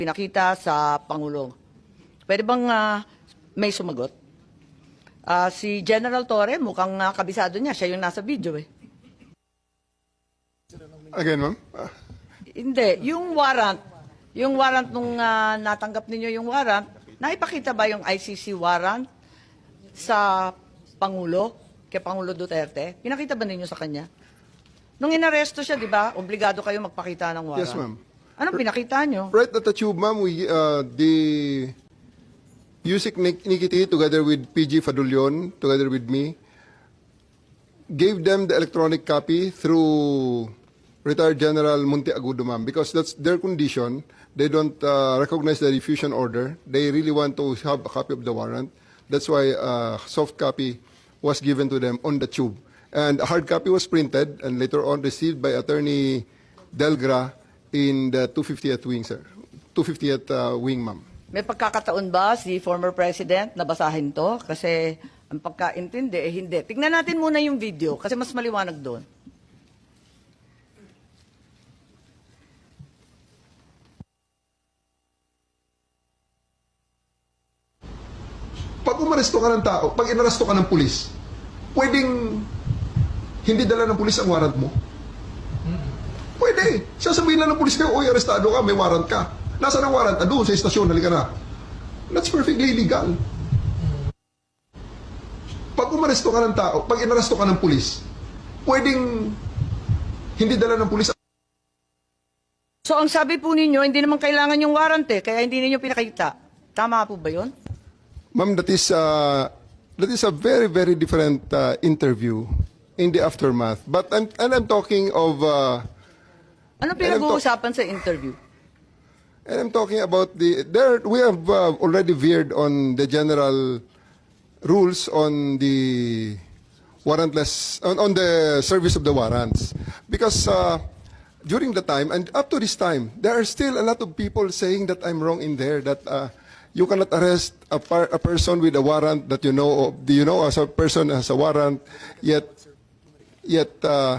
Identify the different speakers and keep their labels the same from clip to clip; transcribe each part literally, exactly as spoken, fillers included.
Speaker 1: pinakita sa Pangulo. Pwede bang ah, may sumagot? Ah, si General Torre, mukhang ah, kabisado niya. Siya yung nasa video eh.
Speaker 2: Again, ma'am? Ah,
Speaker 1: Hindi, yung warrant, yung warrant nung ah, natanggap ninyo yung warrant, naipakita ba yung I C C warrant sa Pangulo, kay Pangulo Duterte? Pinakita ba ninyo sa kanya? Nung inaresto siya, di ba, obligado kayo magpakita ng warrant.
Speaker 2: Yes, ma'am.
Speaker 1: Anong pinakita nyo?
Speaker 2: right at the tube, ma'am, we, uh, the Yusik Nik- Nikiti, together with P G Fadulyon, together with me, gave them the electronic copy through retired General Munti Agudo, ma'am, because that's their condition. They don't uh, recognize the diffusion order. They really want to have a copy of the warrant. That's why a soft copy was given to them on the tube. And a hard copy was printed and later on received by Attorney Delgra in the two fiftieth wing, sir. two fiftieth uh, wing, ma'am.
Speaker 1: May pagkakataon ba si former president na basahin to? Kasi ang pagkaintindi, eh hindi. Tingnan natin muna yung video kasi mas maliwanag doon.
Speaker 2: Pag umaresto ka ng tao, pag inaresto ka ng pulis, pwedeng hindi dala ng pulis ang warrant mo? Pwede. Sasabihin lang ng pulis kayo, oy, arestado ka, may warrant ka. Nasaan ang warrant? Ah, doon sa istasyon, halika na. That's perfectly legal. Pag umaresto ka ng tao, pag inaresto ka ng pulis, pwedeng hindi dala ng pulis.
Speaker 1: So ang sabi po ninyo, hindi naman kailangan yung warrant eh, kaya hindi ninyo pinakita. Tama po ba yun?
Speaker 2: Ma'am, that is, uh, that is a very, very different uh, interview in the aftermath. But I'm, and I'm talking of... Uh,
Speaker 1: Ano pinag-uusapan sa interview?
Speaker 2: And I'm talking about the, there, we have uh, already veered on the general rules on the warrantless, on, on the service of the warrants. Because uh, during the time, and up to this time, there are still a lot of people saying that I'm wrong in there, that uh, you cannot arrest a, par, a person with a warrant that you know of, do you know as a person has a warrant, yet, yet, uh,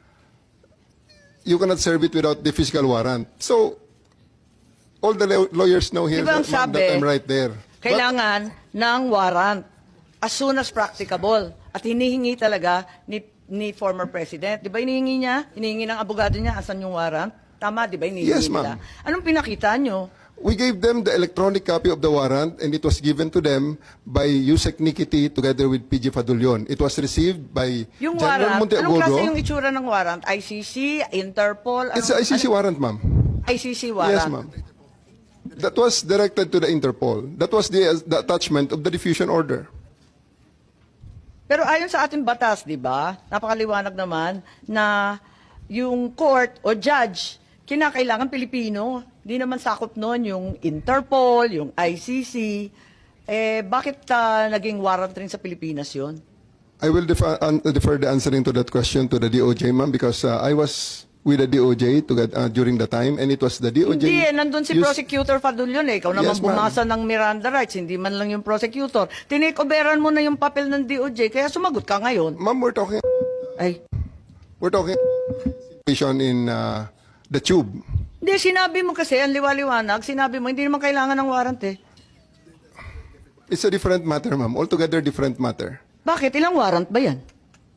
Speaker 2: you cannot serve it without the physical warrant. So, all the law- lawyers know here
Speaker 1: Diba ang
Speaker 2: that, ma'am,
Speaker 1: sabi,
Speaker 2: that I'm right there.
Speaker 1: Kailangan ng warrant as soon as practicable. At hinihingi talaga ni, ni former president. Di ba hinihingi niya? Hinihingi ng abogado niya, asan yung warrant? Tama, di ba hinihingi
Speaker 2: Yes,
Speaker 1: nila?
Speaker 2: ma'am.
Speaker 1: Anong pinakita nyo?
Speaker 2: We gave them the electronic copy of the warrant and it was given to them by Yusek Nikiti together with P G Fadulyon. It was received by
Speaker 1: Yung
Speaker 2: General
Speaker 1: warrant, anong klase yung
Speaker 2: Monteagudo.
Speaker 1: itsura ng warrant? I C C, Interpol?
Speaker 2: It's
Speaker 1: Ano-
Speaker 2: a I C C
Speaker 1: ano-
Speaker 2: warrant, ma'am.
Speaker 1: I C C warrant.
Speaker 2: Yes, ma'am. That was directed to the Interpol. That was the, the attachment of the diffusion order.
Speaker 1: Pero ayon sa ating batas, di ba, napakaliwanag naman na yung court o judge, kinakailangan Pilipino. Di naman sakop noon yung Interpol, yung I C C. Eh, bakit ah, naging warrant rin sa Pilipinas yon?
Speaker 2: I will defer, un- defer the answering to that question to the D O J, ma'am, because uh, I was with the D O J to get, uh, during the time and it was the D O J.
Speaker 1: Hindi eh, nandun si
Speaker 2: used-
Speaker 1: Prosecutor Fadulyon eh. Ikaw naman
Speaker 2: Yes, ma'am.
Speaker 1: bumasa ng Miranda rights, hindi man lang yung prosecutor. Tinikoberan mo na yung papel ng D O J, kaya sumagot ka ngayon.
Speaker 2: Ma'am, we're talking,
Speaker 1: Ay,
Speaker 2: we're talking situation in uh, the tube.
Speaker 1: hindi, sinabi mo kasi, ang liwaliwanag, sinabi mo, hindi naman kailangan ng warrant eh.
Speaker 2: It's a different matter, ma'am. Altogether different matter.
Speaker 1: Bakit? Ilang warrant ba yan?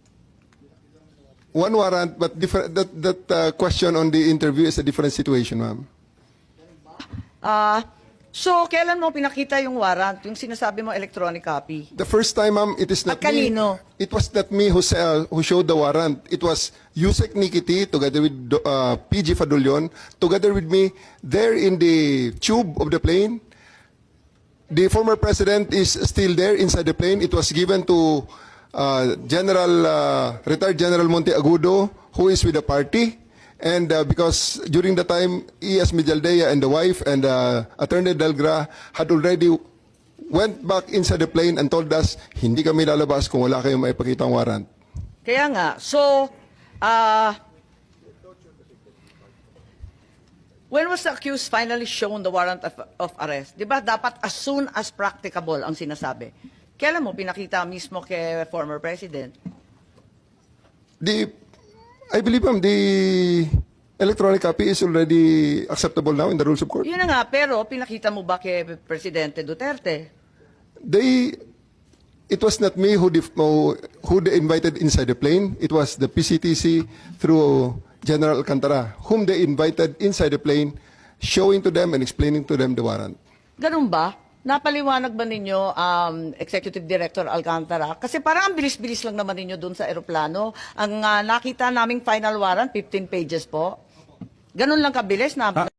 Speaker 2: One warrant, but different. That that uh, question on the interview is a different situation, ma'am.
Speaker 1: Ah, so, kailan mo pinakita yung warrant? Yung sinasabi mo electronic copy?
Speaker 2: The first time, ma'am, it is not
Speaker 1: At kanino?
Speaker 2: me. It was not me who sa- who showed the warrant. It was Yusek Nikiti together with uh, P G Fadulyon together with me there in the tube of the plane. The former president is still there inside the plane. It was given to uh, General uh, retired General Monteagudo, who is with the party. And uh, because during the time, E S Mijaldea and the wife and uh, Attorney Delgra had already went back inside the plane and told us, hindi kami lalabas kung wala kayong maipakitang warrant.
Speaker 1: Kaya nga, so, ah, when was the accused finally shown the warrant of, of arrest? Di ba dapat as soon as practicable ang sinasabi? Kailan mo pinakita mismo kay former president?
Speaker 2: The, I believe, ma'am, the Electronic copy is already acceptable now in the rules of court.
Speaker 1: Yun na nga, pero pinakita mo ba kay Presidente Duterte?
Speaker 2: They, it was not me who, def, who who they invited inside the plane. It was the P C T C through General Alcantara, whom they invited inside the plane, showing to them and explaining to them the warrant.
Speaker 1: Ganun ba? Napaliwanag ba ninyo, um, Executive Director Alcantara? Kasi parang ang bilis-bilis lang naman ninyo dun sa aeroplano. Ang ah, nakita naming final warrant, fifteen pages po. Ganun lang kabilis na